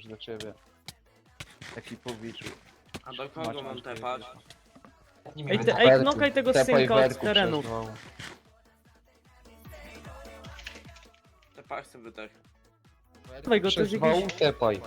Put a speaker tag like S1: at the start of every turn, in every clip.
S1: już do ciebie. Taki powiczu.
S2: A do kogo mam tepać?
S3: Ej, knokaj tego synka od
S1: Werku
S3: terenu.
S1: przez wał.
S2: Tepać sobie wydech.
S3: Dawaj go, to
S1: Przez
S3: jest
S1: wał
S3: jakiś...
S1: tepaj.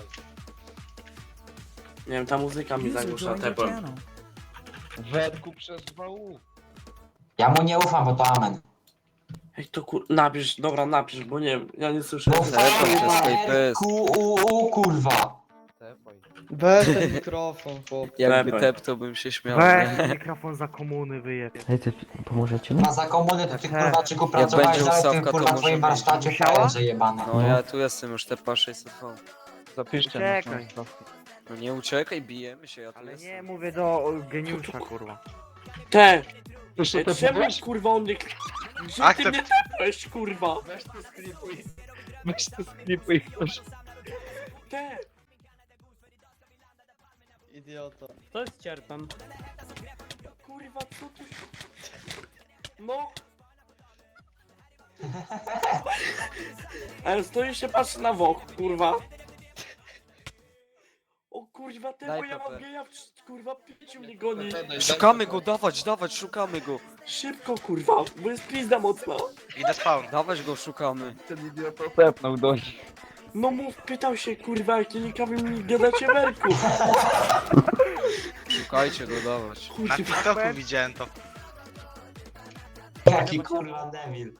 S2: Nie wiem, ta muzyka mi zagłusza tepłem.
S1: Werku przez wał.
S4: Ja mu nie ufam, bo to amen.
S2: Ej, to napisz, dobra, napisz, bo nie wiem, ja nie słyszę.
S4: No
S1: Tepaj przez
S4: fajnie,
S1: KPS.
S4: kurwa.
S1: Tepaj.
S5: Weź ten mikrofon, chłop.
S6: Jakby
S2: Tepaj.
S6: tep, to bym się śmiał.
S7: Weź
S6: Nie?
S7: mikrofon za komuny wyjeb.
S3: Ej, ty pomożecie mi?
S4: Ma za komuny, to ty kurwa, czy
S6: Jak
S4: pracowałeś
S6: będzie
S4: dalej w
S6: ustawka,
S4: tym
S6: to
S4: kurwa
S6: może
S4: twoim
S6: być.
S4: warsztacie
S7: Musiała?
S4: frajerze jebany.
S6: No ja tu jestem już tepa 600V.
S1: Zapiszcie
S7: Uciekaj.
S1: nas na stawkę.
S6: No nie uciekaj, bijemy się, ja tu
S7: Ale
S6: jestem.
S7: nie, mówię do geniusza, kurwa.
S2: Te!
S1: Proszę
S2: Ej, czemu kurwa on mnie... Gdzie ty mnie tepłeś, kurwa?
S1: Weź to sklipuj. Weź to sklipuj, proszę.
S2: Te!
S5: Idiota.
S3: To jest cierpem.
S2: Kurwa, co tu się... No! Ale stoi się, patrzy na wok, kurwa. O kurwa, te,
S6: Daj
S2: bo ja mam
S6: PP.
S2: geja, kurwa, pięciu mnie goni.
S6: Szukamy go, dawać, szukamy go.
S2: Szybko, kurwa, bo jest pizda mocna.
S8: Idę spawn.
S6: Dawać go, szukamy.
S1: Ten idiota tepnął do nich.
S2: No mów, pytał się, kurwa, jakie ciekawe mi gadacie werku.
S6: Szukajcie go, dawać.
S8: Na
S2: Kurwa,
S8: TikToku widziałem to.
S4: Jaki kurwa debil.